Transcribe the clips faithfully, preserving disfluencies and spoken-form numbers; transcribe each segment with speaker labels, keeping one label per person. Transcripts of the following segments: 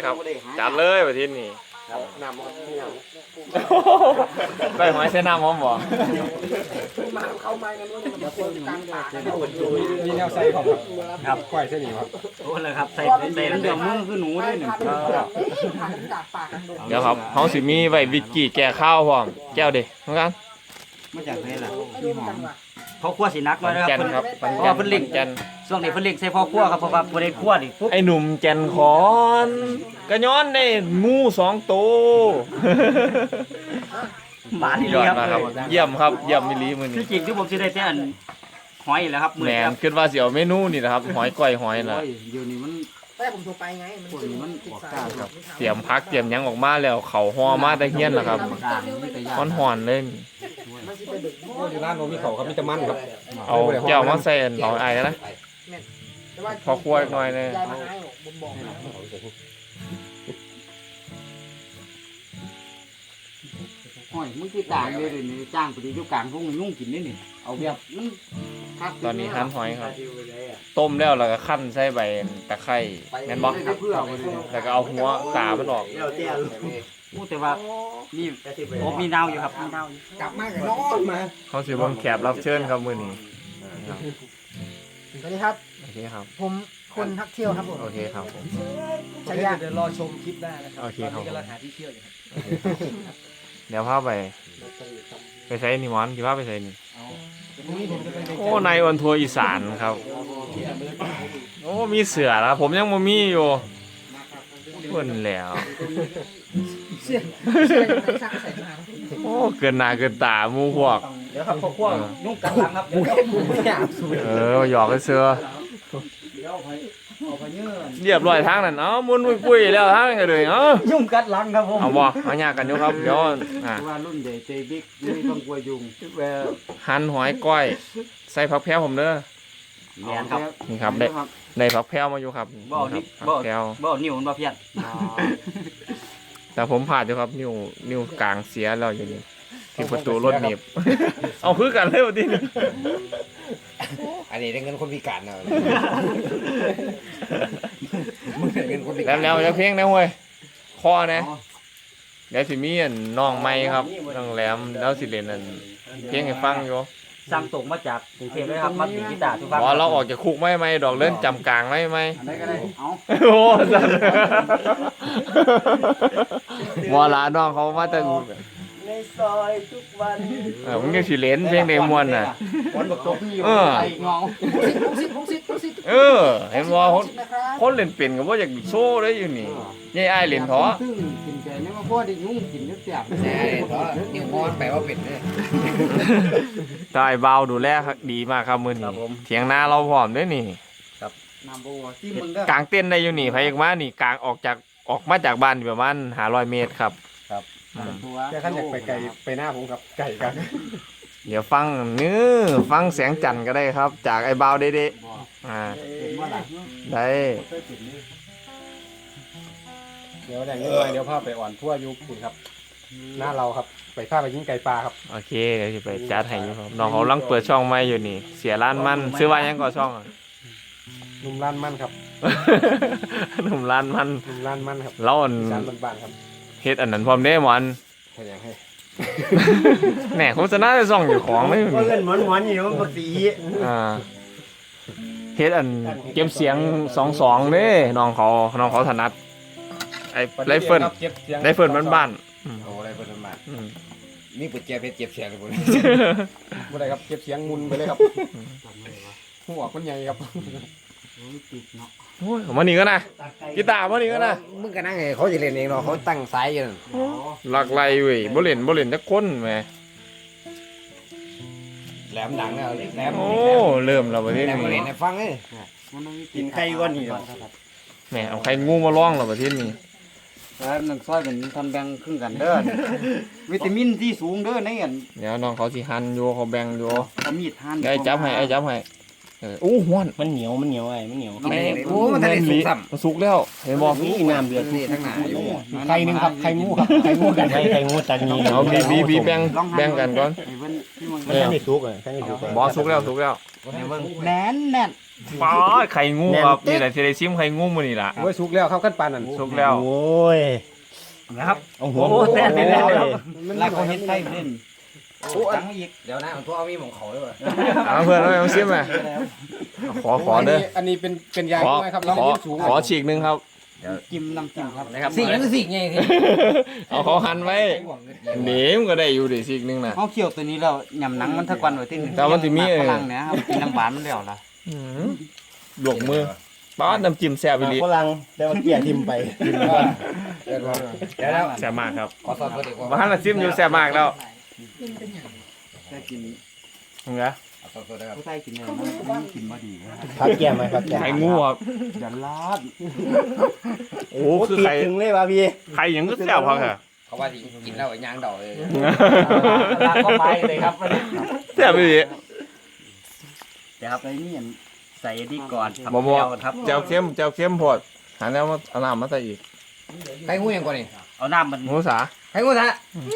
Speaker 1: ครับจัดเลยประเทศนี้น้ำไปหอยเส้นน้ำหอมบ่
Speaker 2: มาเข้าไม้กันว่าจะคนกลางป่า
Speaker 3: มีแนวใส่ของครับก้อยเส้นนี้ครับ
Speaker 4: โอ้เลยครับใส่ใส่เดือดมือคือหนูด้วยหนึ่ง
Speaker 1: เดี๋ยวครับเขาสิมีไว้วิกิแก่ข้าวพร้อมแก้วดิเหมือนกัน
Speaker 4: มาจากไหนล่ะพี่หอมเขาคั่วสีนักเลยนะครับเพราะว่าเพิ่นเล่ง
Speaker 1: แกน
Speaker 4: ช่วงนี้เพิ่นเล่งใส่พ่อคั่วครับเพราะว่าบ่ได้คั่วนี่ปุ๊บ
Speaker 1: ไอ้หนุ่มแกนขอนกระย้อนในงูสองตัว
Speaker 4: หมาที่
Speaker 1: ยอ
Speaker 4: นี่
Speaker 1: ด
Speaker 4: ครับ
Speaker 1: มากครับเยี่ยมครับเยี่ยมมิลีมือ
Speaker 4: ที่
Speaker 1: นี้
Speaker 4: จริงที่ผมสิได้แต่อันหอยแหละครับมื้อ
Speaker 1: แหม
Speaker 4: นี้ครับ
Speaker 1: คิดว่าสิเอาเมนูนี่นะครับหอยก้อยหอยน่ะ
Speaker 4: เดี๋ยวนี้มัน
Speaker 2: แต่ผมโทรไปไงมันออกกาครับ
Speaker 1: เตรียมพักเตรียมหยังออกมาแล้วเขาห่อมาตะเฮียนล่ะครับฮ้อนๆเลย
Speaker 3: ที่ร้านโนมีเขาครับมีแต่มันครับ
Speaker 1: เอาแก้วมาใส่เอาไอ้นะพอคั่วหน่อยนึง
Speaker 4: หอยมึงคือต่างเลยนี่จ้างไปอยู่กลางพวกนุ่งกินนี่นี่เอาแบบมันคัก
Speaker 1: ตอนนี้หั่นหอยครับต้มแล้วแล้วก็คั่นใส่ใบตะไคร้แม่นบ่แล้วก็เอาหัวตามันออก
Speaker 4: พูดแต่ว่ามีโอ้มีดาวอยู่ครับมีดาวอยู่
Speaker 2: กลับมากับน้องมา
Speaker 1: เขาสิเบิ่งแขกรับเชิญครับมื้อนี้
Speaker 2: สวัสดีครับ
Speaker 1: โอเคครับ
Speaker 2: ผมคนทักเที่ยวครับผม
Speaker 1: โอเคครับผม
Speaker 2: ชายา
Speaker 3: เดี๋ยวรอชมคลิปได้นะครับ
Speaker 1: โอเคครับ
Speaker 3: กำลังหาที่เที่ยวอยู่ครับ
Speaker 1: เดี๋ยวพาไปไปใส่นี่หมอนสิพาไปใส่นี่
Speaker 3: พรุ่งนี้ผมจะไป
Speaker 1: โอ้นายออนทัวร์อีสานครับโอ้มีเสือแล้วผมยังบ่มีอยู่เพิ่นแล้ว
Speaker 2: เสื้อเสื้อยังไงสร้างใส่มา
Speaker 1: โอ้เกินหน้าเกินตาหมู่พวก
Speaker 4: เดี๋ยวครับพวกพวกนุ่งกันหลังครับเดี๋ยว
Speaker 2: ไม่อยากสูด
Speaker 1: เออหยอกไอ้เสือ
Speaker 4: เดี๋ยวเอาไปเอาไปเยื่อ
Speaker 1: เรียบร้อยทางนั้นเอ้ามุนปุ้ยๆแล้วทางนี้เลยเอ้า
Speaker 4: ยุ่งกัดหลังครับผม
Speaker 1: เอาบ่เอายากกันอยู่ครับเดี๋ยวอ่ะ
Speaker 4: ว่ารุ่นใหญ่เจบิ๊กไม่ต้องกลัวยุง
Speaker 1: หั่นหอยก้อยใส่ผักแพรวผมเด้อ
Speaker 4: แมนครับ
Speaker 1: นี่ครับได้ได้ผักแพรวมาอยู่ครับ
Speaker 4: บ่
Speaker 1: นี่
Speaker 4: นี่
Speaker 1: ครับ
Speaker 4: บ่
Speaker 1: ผักแพรว
Speaker 4: บ่นิ้วมันบ่เพี้ยน
Speaker 1: แต่ผมผ่านอยู่ครับนิ้วนิ้วกลางเสียแล้วอยู่นี่ที่ประตูรถหนีบ เอาคือกันเลยวันนี้
Speaker 3: อันนี้ได้เงินคนพิการนะมึงได้เงินคนพิ
Speaker 1: แล้
Speaker 3: กาว ร
Speaker 1: แล้วจะเพลงนะเว้ยคอนะเดี๋ยวสิมีอันน้องไม้ครับน้องแหลมแล้วสิเล่นอันเพลงให้ฟังอยู่
Speaker 4: สั่งตรงมาจากกรุงเทพเลยครับมาตีกีตาร์ทุกครั้ง
Speaker 1: บอเราออกจากคุกไม่ไม่ดอกเล่นจำกลางไม่ไม่
Speaker 4: อันไหนก็ได้เอา
Speaker 1: โอ้สันบอลาน้องเขามาแต่
Speaker 4: ในซอยทุกวัน
Speaker 1: เออมึงยังสิเล่นเพลงเดมวนน่ะ
Speaker 4: วันบักตบพี่
Speaker 1: เออ
Speaker 4: ไอ้เงา
Speaker 2: ผมสิผมสิผมสิ
Speaker 1: เออเห็นว่าคนคนเล่นเป็นก็บ่อยากโชว์ได้อยู่นี่ยายอ้ายเล่นท้อ
Speaker 4: ซึ่งกินใจนี่ว่าพ่อได้ยุ่งกินเสียบ
Speaker 3: แน่เพราะนิ้วมอนแปลว่าเป็นเนี่ย
Speaker 1: ตายเบาดูแลครับดีมากครับมื้อนี้เถียงนาเราพร้อมด้วยนี่
Speaker 4: น้ำบัวที่มึงก็
Speaker 1: กลางเต้นได้อยู่นี่ไผอยากมานี่กลางออกจากออกมาจากบ้านอยู่ประมาณห้าร้อยเมตรครับ
Speaker 3: แค่ขั้นอยากไปไกลไปหน้าผมครับไก่กัน
Speaker 1: เดี๋ยวฟังเนื้อฟังเสียงจันทร์ก็ได้ครับ จากไอ้เบาเด้ๆอ่าได้
Speaker 3: เดี๋ยวแดงเงินไปเดี๋ยวพาไปอ่อนทั่วยุคคุณครับ หน้าเราครับไปพาไปยิงไก่ปลาครับ
Speaker 1: โอเคเดี๋ยวจะไปจัดให้อยู่ครับน้องเขากำลังเปิดช่องใหม่อยู่นี่ เสียร้านมันซื้อว่ายังก่อช่องอะ
Speaker 3: นุ่มร้านมันครับ
Speaker 1: หนุ่มร้านมัน
Speaker 3: นุ่มร้านมันครับ
Speaker 1: เราอัน
Speaker 3: จานบ้านๆครับ
Speaker 1: เฮ็ดอันนั้นพร้อมเด้หมอน
Speaker 3: ให้ยังให้
Speaker 1: แหน่โฆษณาจะส่องอยู่ของไม่มี
Speaker 4: เงินหมอนหมอนอยู่มันบักสี
Speaker 1: อ่าเฮ็ดอันเก็บเสียงสองสองเด้น้องเขาน้องเขาถนัดไอ้ไรเฟิลไรเฟิลบ้านๆอืม
Speaker 3: โอ้ไรเฟิลบ้าน
Speaker 1: อืม
Speaker 3: ๆนี่ปุจเจียเพชรเจ็บเสียงเลยผมบ่ได้ครับเก็บเสียงมุนไปเลยครับหัวคนใหญ่ครับ
Speaker 1: โอ้ยมานี่ก็นะกีตาร์มานี่ก็นะ
Speaker 3: มึงก็นั่งไงเขาจะเล่นเองเนาะเขาตั้งสายอยู่นั่น
Speaker 1: หลักไหลเว้ยบ่เล่นบ่เล่นจักคนแหม
Speaker 3: แหลมดังแล้วแหลม
Speaker 1: โอ้เริ่มแล้วบัดนี้
Speaker 3: แหลมมาเล่นให้ฟังเลย
Speaker 4: กินไข่ก้อนนี่
Speaker 1: แหมเอาใครงูมาร้องแล้วบัดนี้
Speaker 4: แล้วหนึ่งซอยเป็นทันแบ่งครึ่งกันเด้อวิตามินที่สูงเด้อในอัน
Speaker 1: เดี๋ยวน้องเขาสิหั่นอยู่เขาแบ่งอยู่
Speaker 4: เอามีดหั่น
Speaker 1: ไอ้จับให้ไอ้จับให้เอออู้ฮ้อน
Speaker 5: มันเหนียวมันเหนียวไอ้มันเหนียว
Speaker 3: แม่โอ้มันทะเลสุกซ้ำ
Speaker 1: มันสุกแล้วเห็นบ่
Speaker 5: นี่น้ำเดือด
Speaker 3: นี่ทั้งหนาอยู่
Speaker 4: ไข่หนึ่งครับไข่งูครับไข่งูกัน
Speaker 5: ไข่ไข่งูตานี
Speaker 1: เอาบีบีบีแบ่งแบ่งกันก่อน
Speaker 4: ไอ้เพิ่นที่มึง
Speaker 1: เออ
Speaker 5: ไม่ทุกเลยแค่นี้ทุก
Speaker 1: บ่สุกแล้วสุกแล้ว
Speaker 4: แน่นแน่น
Speaker 1: ป๊อดไข่งูครับนี่แหละที่ได้ซิมไข่งูมื้อนี้ล่ะ
Speaker 3: โอ้ยสุกแล้วครับขั้นปานนั่น
Speaker 1: สุกแล้ว
Speaker 5: โอ้ย
Speaker 4: นะครับ
Speaker 5: เอาหัว
Speaker 4: โอ้แซ่บไปแล้วครับ
Speaker 3: มัน
Speaker 4: ลากเขาเฮ็ดไส้เล่นโอ้จังอีก
Speaker 2: เดี๋ยวนะผมทั่วเอามีของเขาด้วย
Speaker 1: เอาเพื่อนเอาเอาซิมมาขอขอเด้อ
Speaker 3: อันนี้เป็นเป็นยา
Speaker 1: ขอ
Speaker 3: ใช่ไหมครับเรา
Speaker 1: ขอ
Speaker 3: เลี้ยงสูง
Speaker 1: ขอฉีกหนึงครับ
Speaker 4: จิ้มน้ำจิ้มครับ
Speaker 2: นะครับสิ่งนั้นคือสิ่งไงคือ
Speaker 1: เอาเขาหั่นไว้หนีมนก็ได้อยู่ดิฉีกหนึงน่ะ
Speaker 4: เขาเคี่ยวตัวนี้แล้วยำหนังมันทะกวันไว้ที่
Speaker 1: แต่มันสิมี
Speaker 4: ฝรั่งเนี่ยครับกินน้ำหวานมันแล้วล่ะ
Speaker 1: อื้อหือหลวกมือป๊อดน้ำจิ้มแซ่บอีหลี
Speaker 5: ฝรั่งแต่ว่าเกลี่ยทิมไป
Speaker 3: เดี๋ยวแล้ว
Speaker 1: แซ่บมากครับ
Speaker 2: ขอสอบตัวเด็กว่า
Speaker 1: บ้านละซิมอยู่แซ่บมากแล้ว
Speaker 4: ได้กิน
Speaker 1: มึงเหรอ
Speaker 2: สอบตัวได้ครับ
Speaker 4: ผู้ใต้กินเนี่ยมันกินมาดี
Speaker 5: พักแก้มไหมพักแก้ม
Speaker 1: ไข่งูครับ
Speaker 4: อย่าลาด
Speaker 1: โอ้
Speaker 5: โอ้
Speaker 1: คือ
Speaker 5: ปี
Speaker 1: ไข่
Speaker 5: ถึงเลยว่ะพี่
Speaker 1: ไข่หยังก็แซ่บพักอะ
Speaker 2: เขาว่าที่กินแล้วยางดอกเลย
Speaker 4: ลาดเข้าไปเลยครับ
Speaker 1: แซ่บอีหลี
Speaker 4: เดี๋ยวครับใส่นี่ใส่ดีก่อน
Speaker 1: บ่บ่
Speaker 4: ครับ
Speaker 1: แจ่วเข้มแจ่วเข้มโพดหาแล้วมาเอาน้ำมาใส่อีก
Speaker 2: ใครงูยังกว่านี่
Speaker 4: เอาน้ำมัน
Speaker 1: หมูสา
Speaker 2: ใครงูซะ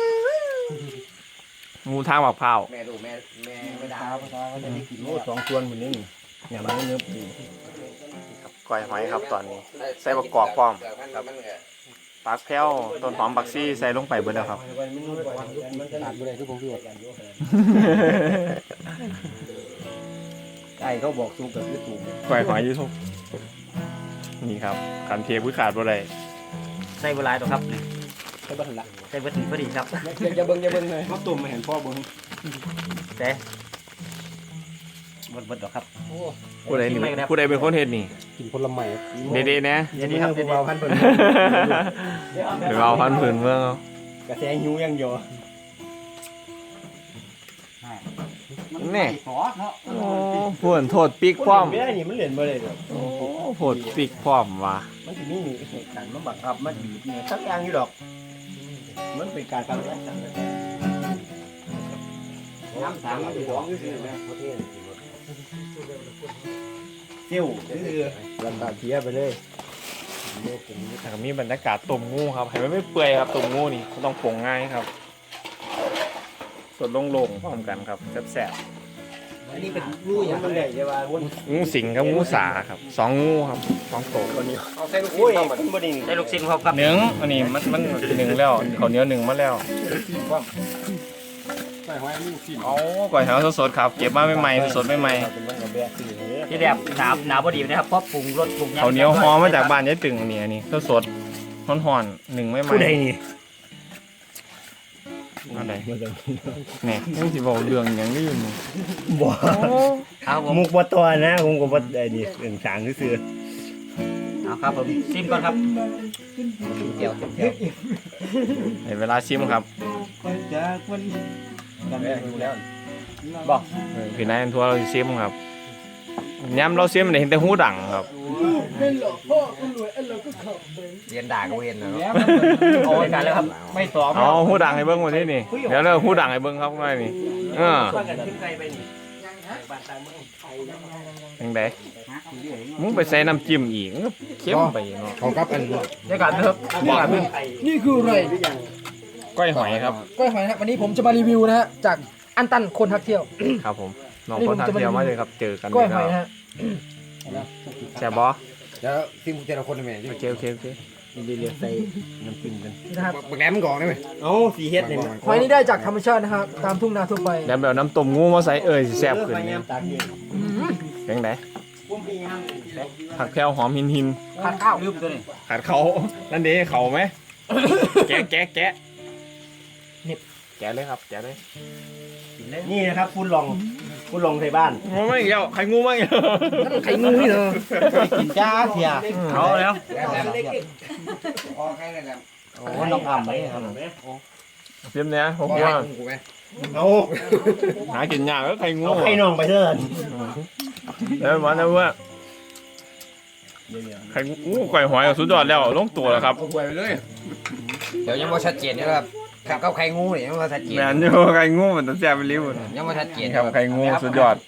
Speaker 1: หมูทางบักพร้าว
Speaker 2: แม่ดูแม่แม่ไม่ด่า
Speaker 5: โอ้สองส่วนหมดนี่เนี่ยมันเนื้อปู
Speaker 1: ก้อยหอยครับตอนนี้ ใส่บักกอกพร้อมปักแพ้วต้นหอมปักซี่ใส่ลงไปเบิดแล้วครับ
Speaker 3: ขาดบ่ได้คือผมพี่ว่า
Speaker 5: ไก่เขาบอกสูงกับที่สูง
Speaker 1: ก้อยหอยอยูทุกนี่ครับขันเทพื้ขาดบ่ได้
Speaker 4: ใส่เวลาตัวครับนี่
Speaker 3: ใช่บ้านละ
Speaker 4: ใส่เวลาพอดีครับ
Speaker 3: อย่าอย่าเบิ่งอย่าเบิ่งเลย
Speaker 5: มาตุ่มมาเห็นพ่อบุญ
Speaker 4: แต่บดบดหรอกครับ
Speaker 1: ผู้ใดนี่ผู้ใดเป็นคนเฮ็ดนี่
Speaker 3: กินผลไม้
Speaker 1: เด็ดๆนะ
Speaker 5: เดี๋ยวนี้ครับเบาพันเปิด
Speaker 1: เดี๋ยวเอาพันผืนเมืองเอา
Speaker 5: กระแสหิวยังอยู่
Speaker 1: แน่
Speaker 4: ขอเนาะ
Speaker 1: โอ้ผวนโทษปิกพร้อม
Speaker 5: ไม่ได้นี่มันเหรียญบ่ได้หรอก
Speaker 1: โอ้โหดปิกพร้อมว่ะ
Speaker 5: มันจะมีเหตุการณ์มาบังคับมันบีบเนี่ยสักอย่างอยู่ดอก มันเป็นการทำร้ายกัน
Speaker 4: น้ำสามมันจะร้องอยู่สิแม่
Speaker 5: เซี่ยวคือลำบากเทียไปเลย
Speaker 1: แต่ก็มีบรรยากาศต้มงูครับให้มันไม่เปื่อยครับต้มงูนี่ต้องปรุงง่ายครับสดโล่งๆพร้อมกันครับแซ่บ
Speaker 5: อันนี้เป็นงูอย่างมันใหญ่ใช่ป่ะวน
Speaker 1: ๆงูสิงกับงูสาครับสองงูครับสองตัว
Speaker 3: เอาใส่ลูก
Speaker 5: โอ้ย
Speaker 3: ชิ้นเข้ามา
Speaker 5: คุณบดิน
Speaker 4: ใส่ลูกชิ้นครับครับ
Speaker 1: หนึ่งอันนี้มันมันหนึ่งแล้วเขาวเหนียวหนึ่งมาแล้ว
Speaker 3: ใส่หอยลูกชิ้น
Speaker 1: เอาก่อยหาสดๆครับเก็บมาใหม่ๆสดๆใหม่
Speaker 5: เป็นวันกับแบกคือ
Speaker 4: ที่แบบหนาหนาพอดีนะครับเพราะปรุงรสปรุง
Speaker 1: ๆเขาวเหนียวหอมมาจากบ้านยายตึงเนี่ยนี่สดๆห่อนๆหนึ่งไม่ไหม
Speaker 5: ผู้ใดนี่
Speaker 1: อะไรเนี่ยต้องสิบอกเรื่องอย่างนี้อยู่นี่
Speaker 5: บ่
Speaker 4: เอาผม
Speaker 5: มุกบ่ตัวนะผมก็บ่ได้นี่เรื่องสางซื่อ
Speaker 4: เอาครับผมซิมก่อนครับ
Speaker 2: เดี๋ยวเดี๋ยว
Speaker 1: ในเวลาชิมครับ
Speaker 4: จากวัน
Speaker 5: กันแม่ดูแล้ว
Speaker 4: บอก
Speaker 1: เออพี่นายอันทัวร์เราสิชิมครับย้ำเราชิมเนี่ยเห็นแต่หูดังครับ
Speaker 2: เรียนด่าก็เรียนแล้ว
Speaker 4: โอ้ยกันแล้วครับไม่สอบ
Speaker 1: เอาหูดังให้เบิ้งมาที่นี่เดี๋ยวเราหูดังให้เบิ้งครับง่ายนี่เออ
Speaker 4: กันขึ้นไกลไปนี่
Speaker 1: ยังไงมึงไปใส่น้ำจิ้มอีกมึงก็เข้มไปเนาะ
Speaker 3: เขากับอัน
Speaker 4: เดี๋ยวกันครับ
Speaker 2: นี่คืออะไร
Speaker 1: ก้อยหอยครับ
Speaker 2: ก้อยหอยนะครับวันนี้ผมจะมารีวิวนะฮะจากอันตันคนทักเที่ยว
Speaker 1: ครับผมน้องคนทางเที่ยวมาเลยครับเจอกัน
Speaker 2: ก้อยหอยนะฮะ
Speaker 1: แซ่บบอ
Speaker 3: แล้วซิมแต่ละคนได้ไหม
Speaker 1: โอเคโอเคโอเค
Speaker 5: ๆดีๆใส่น้ำจิ้มกัน
Speaker 2: นี่นะครับ
Speaker 3: บักแหลมมันก่อนได้ไหม
Speaker 5: เอ้าสีเฮ็ดนี่
Speaker 2: หอยนี่ได้จากธรรมชาตินะครับตามทุ่งนาทั่วไป
Speaker 1: แล้วแบบน้ำต้มงูมาใส่เอ่ยสิแซ่บขึ้น
Speaker 5: พยา
Speaker 1: นี่
Speaker 5: ยามตากเอง
Speaker 1: ยังไง
Speaker 5: ผมพยายาม
Speaker 1: ผักแพรวหอมหินหิน
Speaker 2: ขาดข้าว
Speaker 4: ลืมตัวนี้
Speaker 1: ขาดเขานั่นดีเขาไหมแกะแกะแกะนี่แกะเลยครับแกะเลย
Speaker 5: นี่นะครับคุณลองคุณลองใส่บ้าน
Speaker 1: งูไม่เกี่ยวไข่งูไม่เกี่ยว
Speaker 2: นั่นไข่งูนี่เหรอ
Speaker 5: กินจ้าเสีย
Speaker 4: เอาแล้ว
Speaker 2: แหลมแหลมพอใครแหลม
Speaker 5: โอ้น้องอ่ำไหมครับ
Speaker 1: เตรียมเนี้ยผม
Speaker 2: พอ
Speaker 1: ว่า
Speaker 2: ให้กูไหม
Speaker 5: เอา
Speaker 1: หากินยากก็ไข่งู
Speaker 5: เอาไข่น้องไปเถอะ
Speaker 1: แล้ววันนั้นว่าไข่งูไก่หอยสุดยอดแล้วลงตัวแล้วครับ
Speaker 3: เอาหวยไปเลย
Speaker 2: เดี๋ยวยังไม่ชัดเจนนะครับขับกับไข่งูเนี่ยยังไม่ชัดเจน
Speaker 1: แมนอยู่ไข่งูมันต้องแซ่บไปริ้ว
Speaker 2: ยังไม่ชัดเจน
Speaker 1: นี่ครับไข่งูสุดยอด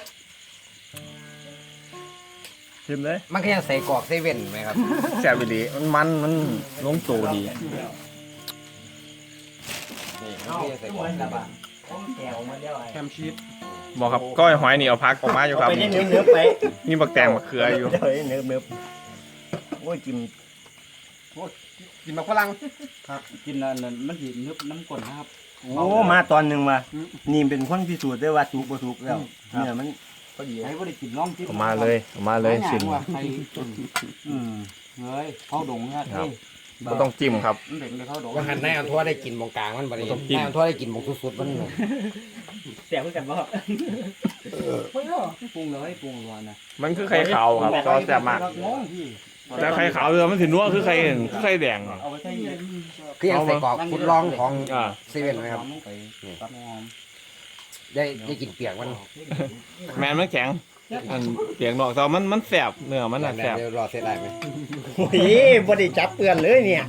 Speaker 1: ชิมเลย
Speaker 2: มันก็ยังใส่กรอกเซเว่นไหมครับ
Speaker 1: แซ่บไปดีมันมันมันลงตัวดี
Speaker 2: นี่มันก็ยังใส่กรอก
Speaker 5: แก้วมาแล้วไอ้
Speaker 3: แฮมชีส
Speaker 1: บอกครับก้อยหอยนี่เอาพักออกมาอยู่ครับ
Speaker 5: ไปเนื้อเนื้อไป
Speaker 1: มีบักแตงบักเขืออยู่
Speaker 5: เดี๋ยวเนื้อเนื้อโอ้ยกิน
Speaker 3: กินมาฝรั่ง
Speaker 4: ครับกินแล้วมันสินึบน้ำก้นนะครับ
Speaker 5: โอ้มาตอนหนึ่งว่ะนี่เป็นคนพิสูจน์ได้ว่าถูกบ่ถูกแล้วเนี่ยมัน
Speaker 3: พอดี
Speaker 4: ใครบ่ได้กินลองกิน
Speaker 1: เอามาเลยเอามาเลยสิน
Speaker 4: ว่าใครอืมเฮ้ยเข้าดงเนี่ย
Speaker 1: ครับ ก็ต้องจิ้มครับ
Speaker 4: มันเป็นเลยเข้าดง
Speaker 3: ว่าหันนายอันทั่วได้กินมองกลางมันบ่ได้
Speaker 1: ต้องกิน
Speaker 3: นายอันทั่วได้กินมองสุดๆมัน
Speaker 5: แซ่บเหมือนกันบ่
Speaker 4: ปรุงเลยปรุงร้อนนะ
Speaker 1: มันคือไข่ขาวครับก็แซ่บมาก
Speaker 4: งงพี่
Speaker 1: แต่ไข่ขาวเรือมันสินัวคือไข่คือไข่แดง
Speaker 5: เอาไปใส่
Speaker 3: คือยังใส่กรอกฟุดลองของ
Speaker 1: อ่า
Speaker 3: เซเว่นไหมครับ
Speaker 4: ลงไปตัดหอม
Speaker 3: ได้ได้กินเปียกมัน
Speaker 1: แมนมันแข็งอันเปียกนอกแต่ว่ามันมันแสบเนื้อมันน่ะแสบ
Speaker 3: เดี๋ยวรอเสร็จได้ไหม
Speaker 5: โอ้ยบ่ได้จับเปื้อนเลยเนี่ย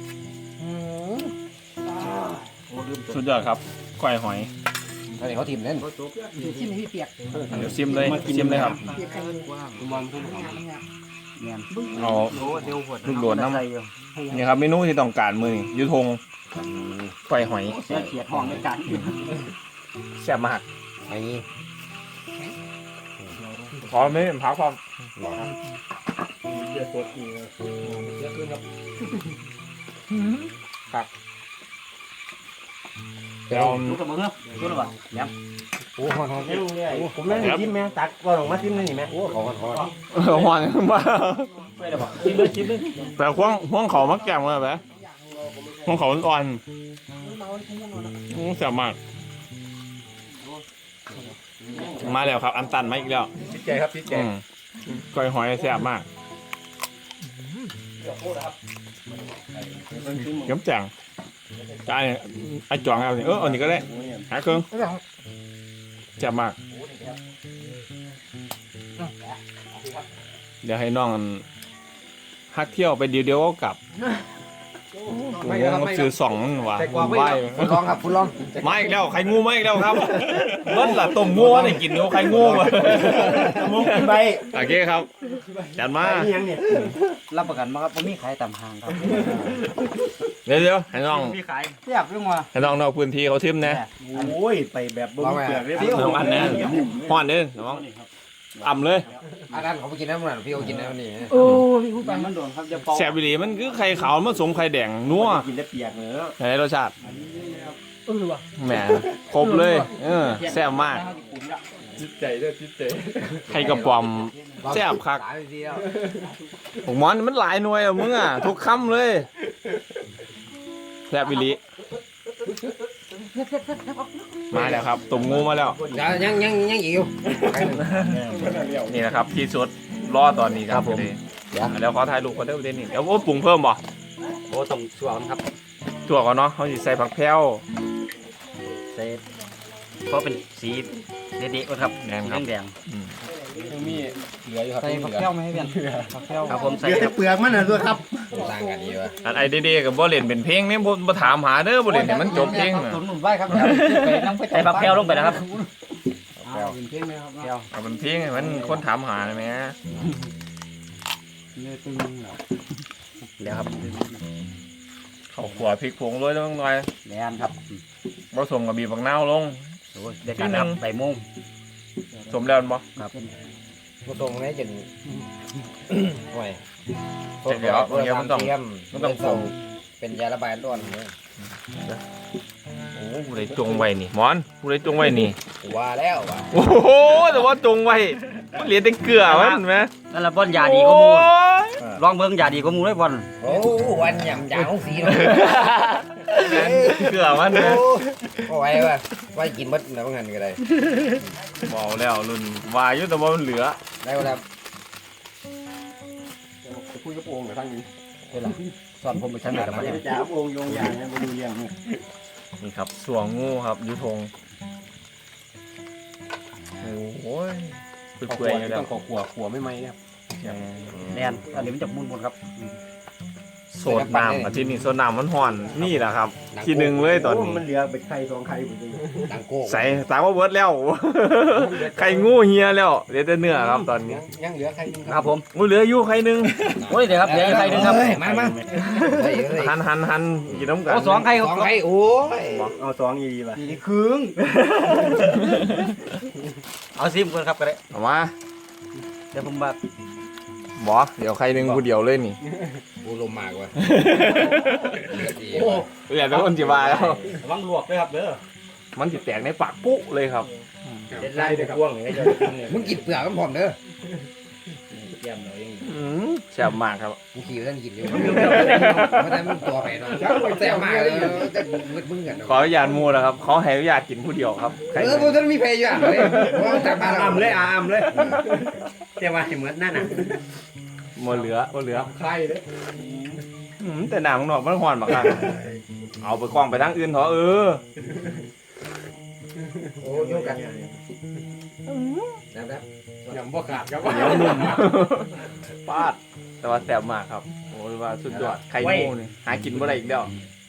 Speaker 1: สุดยอดครับก้อยหอย
Speaker 3: ตอนนี้เขาทิมเล่น
Speaker 4: ที่มีเปียก
Speaker 1: เดี๋ยวซิมเลยซิมเลยครับ
Speaker 4: เนี่ย
Speaker 1: เอา
Speaker 4: โอ้เดี๋ยวหด
Speaker 1: ลูกโดดน้ำนี่ครับเมนูที่ต้องการมือนี่ยุทงก้อยหอย
Speaker 4: เสียเขียดห้องในการกิน
Speaker 1: แซ่บมาก
Speaker 3: ไอ้นี่
Speaker 1: ขอไม่เป็นพักความ
Speaker 5: เดือดสดอีก
Speaker 3: เยอะขึ้นครับ
Speaker 1: เดี๋ยว
Speaker 4: รู้กับมึงเหรอรู้หรือเปล่าเนี่ย
Speaker 3: โอ้โหหอม
Speaker 5: เรื่องเนี่ยผมนั่งจิ้มแม่ตักก่อนออกมาจิ้มนี่นี่แม่
Speaker 3: โอ้หอมหอม
Speaker 1: เออหวานมาก
Speaker 5: ไม่ได้บอกจิ้มเลยจิ้มเลย
Speaker 1: แต่ห่วงห่วงเขามักแก่มาแบบห่วงเขาอ่อนๆอืมแซ่บมาก มาแล้วครับ อันตันมาอีกแล้ว
Speaker 3: ชิดใจครับชิดใจ
Speaker 1: อืมก้อยหอยแซ่บมากเยิ้มจังกายไอ้จวงเอาสิเออเอานี่ก็ได้หาเครื่องแซ่บมาก เดี๋ยวให้น้องฮักเที่ยวไปเดียวเดียวก็กลับไม่ครับไม่ซื้อสองว่ะ
Speaker 3: ใส่กรอก
Speaker 1: ไห
Speaker 3: ไว้
Speaker 1: ว
Speaker 3: ฟุดลองครับฟุดลอง
Speaker 1: มาอีกแล้วไข่งูมาอีกแล้วครับเบิ้ลล่ะต้มงูได้กินงูไข่งูมา
Speaker 5: มุกใบ
Speaker 1: โอเคครับจัดมา
Speaker 5: นี่ยังเนี่ย
Speaker 4: รับประกันมาครับว่ามีขายตามห้างครับ
Speaker 1: เดี๋ยวเดี๋ยวให้น้อง
Speaker 4: มีขายเทียบเรื่องว่า
Speaker 1: ให้น้องนอกพื้นที่เขาทิมนะ
Speaker 5: โอ้ยไปแบบบ่มีเปลือกเลย
Speaker 1: น้องอันนะห้อนเด้อน้องอ่ำเลย
Speaker 3: อันนั้นเขาไปกินน้ำมันพี่เขากินน้ำนี่
Speaker 4: โอ้ยมันโดนครับจะปอก
Speaker 1: แซ่บอีหลีมันคือไข่ขาวมันสมไข่แดงนัว
Speaker 5: กินได้เปียกเนื้อ
Speaker 1: ไหนรสชาติแหมครบเลยเออแซ่บมาก
Speaker 3: จิตใจด้วยจิตใจ
Speaker 1: ไข่กระป๋อมแซ่บคัก
Speaker 3: สามทีแล้ว
Speaker 1: ผมมอนมันหลายหน่วยอ่ะมึงอ่ะทุกคำเลยแซ่บอีหลีมาแล้วครับตุ่มงูมาแล้ว
Speaker 3: ยังยังยังอีกอยู่
Speaker 1: นี่นะครับที่สุดรอตอนนี้ครับผมแล้วขอถ่ายรูปคนเดียวประเด็นนี้เดี๋ยวโอ้ปรุงเพิ่มบ่
Speaker 3: โอ้ต้องสวมครับ
Speaker 1: ถั่วก่อนเนาะเขาสิใส่ผักแพรว
Speaker 4: เซฟเพราะเป็นสีเด็ดๆครับ
Speaker 1: แดงครับ
Speaker 4: แดง
Speaker 1: อืม
Speaker 3: ยังมีเหลืออยู่ครับ
Speaker 4: ใส่ผักแก้วไหมให้เพื่อนผักแก้วครับผมใส่
Speaker 5: เดี๋ยวแต่เปลือกมันน่ะด้วยครับ
Speaker 3: ต่างกันดีวะ
Speaker 1: อันไอเดียกับบ่เล่นเป็นเพลงนี่บ่บ่ถามหาเด้อบ่เล่นให้มันจบเพลงน่ะ
Speaker 4: ตุนหนุนไว้ครับใส่ผักแก้วลงไปนะครับแก้วเป็นเพลงไหมครับแก้ว
Speaker 1: เอาเป็นเพลงให้มันคนถามหาได้ไหม
Speaker 4: เนื้อตึงเหรอเดี๋ยวครับ
Speaker 1: ข้าวขัวพริกผงโรยลงหน่อย
Speaker 4: แดนครับ
Speaker 1: ผสมกับบีบบักนาวลง
Speaker 4: โอ้ยได้การครับใบม่วง
Speaker 1: สมแล้วบ่
Speaker 4: ครับ
Speaker 3: ผสมให้จนห่วย
Speaker 1: เดี๋ยวเดี๋ยวมันต้อง มันต้องส่ง
Speaker 3: เป็นยาระบายร้อนเลย
Speaker 1: โอ้ผู้ใดจงไว้นี่หมอนผู้ใดจงไว้นี่
Speaker 3: ว่าแล้วว่ะ
Speaker 1: โอ้โหแต่ว่าจงไว้มันเหลือแต่เกลือมันเห็นไหม
Speaker 4: นั่นละบอลยาดีก็มู
Speaker 1: โอ้ย
Speaker 4: ลองเบิ่งยาดีก็มูเลยบอล
Speaker 3: โอ้วันยำยางของสีเลย
Speaker 1: เกลือมันนะ
Speaker 3: โอ้ไว้ว่ะไว้กินมดแล้วงั้นก็ได้
Speaker 1: บอกแล้วรุ่นวาอยุแต่ว่ามันเหลือ
Speaker 3: ได้ครับ
Speaker 5: คุยกับโอ่งกับทั้งนี้
Speaker 4: สอนผมไปชั้นไหนแล้วมาเนี่ย
Speaker 5: จ๋าโอ่งโยงอย่างเนี่ยบ่ดูเรื่องนี่
Speaker 1: นี่ครับสวงงูครับยุทงโอ้ยเปื่อยๆอยู่แล้ว
Speaker 3: ต้องขอขัวขัวไม่ไหมครับ
Speaker 4: แดนอันนี้มันจะมุนหมดครับ
Speaker 1: สโซดน้ำอาทิตย์นี้โซดน้ำมันห่อนนี่แหละครับ ทีหนึ่งเลยตอนนี้
Speaker 5: มันเหลือเป็นไข่สองไข่หมดเลย
Speaker 3: ดังโก้
Speaker 1: ใส่ตาว่าเบิร์ดแล้ว ไข่งูเฮียแล้วเหลือแต่เนื้อครับตอนนี้
Speaker 3: ยังเหลือใครนึง
Speaker 4: ครับผม
Speaker 1: งูเหลืออยู่ไข่หนึ่ง
Speaker 4: โอ้ยเดี๋ยวครับเดี๋ยวใครนึงครับ
Speaker 3: มามา
Speaker 1: หันหันหันกินน้ำกัน
Speaker 4: โอ้สองใคร
Speaker 3: สองใครโอ้ย
Speaker 5: เอาสองอีดีป่ะ
Speaker 4: นี่ครึ่งเอาซิมก่อนครับก็ได้
Speaker 1: เอามา
Speaker 4: เดี๋ยวผมแบบ
Speaker 1: บอเดี๋ยวไข่หนึ่งกูเดียวเลยนี่
Speaker 3: กูลมมากว่ะ
Speaker 1: โอ้เหลือแต่คนจีบาแล้ว
Speaker 5: ระวังลวกด้วยครับเด้อ
Speaker 1: มันจิแตกในปากปุ๊เลยครับ
Speaker 5: เด็ดไล่เด็ดกว้างเลยจะกินเลย
Speaker 3: มึงกินเปลือกมันพร้อมเด้อ
Speaker 5: เยี่ยมเลย
Speaker 1: อืมแซ่บมากครับ
Speaker 3: กูขี่ท่านกินอยู่มันได้มึงตัวไปเนาะแซ่บมากเลยแต่มึงมึงกัน
Speaker 1: ขออนุญาตหมูนะครับเขาให้อนุญาตกินผู้เดียวครับไข่
Speaker 3: เออพวกท่านมีเพย์อยู่อ่ะเลยว่าจากบ้าน
Speaker 5: อามเลยอามเลยเจ้าว่าเหมือนนั่นน่ะ
Speaker 1: หมดเหลือหมดเหลือ
Speaker 3: ใครเลย
Speaker 1: อืมแต่หน้ำข้างนอกมันห่อนมากครับเอาไปกล้องไปทางอื่นเถอะเออ
Speaker 3: โอ้ยกกันนะครับ
Speaker 5: ยำบ่ขาดครับ
Speaker 1: เหนียวนุ่ม ปาดแต่ว่าแซ่บมากครับโอ้ยว่าสุดยอดไข่หมูนี่หากินบ่ได้อีกแล้ว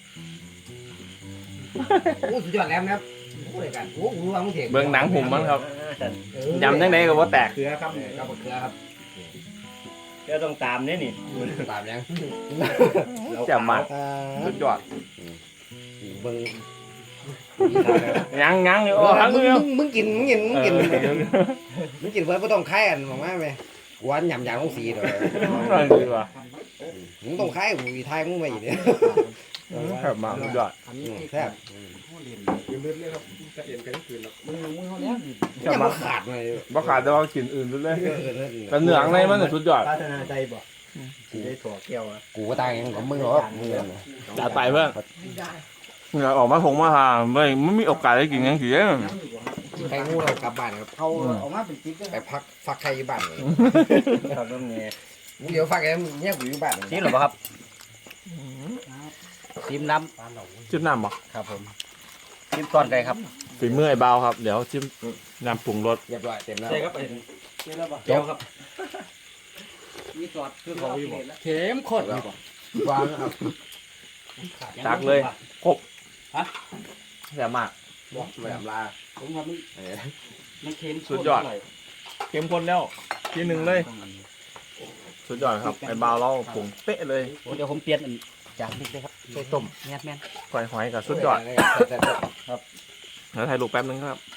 Speaker 3: โอ้สุดยอดแล้วนะครับโอ้ยกันโอ้รู้ว่ามึงเถียง
Speaker 1: เบิ่งหนังหุ่มมันครับยำจังไดก็บ่แตก
Speaker 5: เกลือครับ
Speaker 3: กับเกลือครับ
Speaker 5: เดี๋ยวต้องตามนี่นี่
Speaker 3: ตามยัง
Speaker 1: แซ่บมากสุดยอด
Speaker 3: เบิ่ง
Speaker 1: ยังยังอยู่โอ้ทั้ง
Speaker 3: มึง
Speaker 1: เดียว
Speaker 3: มึงกินมึงกินมึงกิน
Speaker 1: เออ
Speaker 3: มึงกินเพื่อไม่ต้องคายกันบอกว่าไหมหวานหยำหยำของสีเด้อ
Speaker 1: นั่นดีว่ะ
Speaker 3: มึงต้องคายกูทายมึงมาอีกเนี่ย
Speaker 1: แซ่บมากสุดยอด
Speaker 3: แซ่บ
Speaker 5: ยืมเลือดเลยครับจะเอ็นกันคืนแล้ว
Speaker 1: แซ่บ
Speaker 3: ยัง
Speaker 1: มา
Speaker 3: บ่
Speaker 1: ก
Speaker 3: ขาดเลย
Speaker 1: บ่ขาดแต่ว่ากินอื่นสุดเลย
Speaker 3: เออเออ
Speaker 1: แต่เนื้อข้างในมันน่ะสุดยอด
Speaker 5: พัฒนาใจบ่สิได้ถั่วแก้วอ่ะ
Speaker 3: กูก็ตายยังของมึงหรอมึงเนี่ย
Speaker 1: จัดไปเพื่อนเหงื่อออกมาคงมาหาไม่ไม่มีโอกาสได้กินยังสิเด้อ
Speaker 3: ใครงูเรากลับบ้านครับ
Speaker 4: เขาออกมาเป็นจิ๊กด้วย
Speaker 3: ไปพักฟักใครอยู่บ้านเลย
Speaker 5: ครับน้ำเนี่ย
Speaker 3: มึงเดี๋ยวฟักแกเนี่ยกูอยู่บ้าน
Speaker 4: ซิมหรือเปล่าครับซิมน้
Speaker 1: จิ้มน้ำบ่
Speaker 4: ำครับผมซิมตอนใดครับ
Speaker 1: ฝีมือไอ้เบาครับ เดี๋ยวจิ้มน้ำปรุงรส
Speaker 3: เรียบร้อยเต็มแล้ว
Speaker 5: ใช่ครับไอ้นี่แล้วป่ะ
Speaker 3: เจ้าครับ
Speaker 4: มีซอส
Speaker 5: คือเขาอยู่บ่
Speaker 4: เข็มข้น
Speaker 3: วางครับ
Speaker 1: ตักเลยครบแซ่บมาก
Speaker 3: แบบลา
Speaker 4: ผมว่ามันมันเค็ม
Speaker 1: สุดยอด เข้มข้นแล้วทีหนึ่งเลย สุดยอดครับ ไอ้เบาเราปรุงเป๊ะเลย
Speaker 4: เดี๋ยวผมเปลี่ยนอันจานนี้เลยครับใส่ต้มแม่นแม่น
Speaker 1: ก้อยหอยกับสุดยอด
Speaker 3: แต่
Speaker 1: แล้วถ่ายรูปแป๊บนึงครับ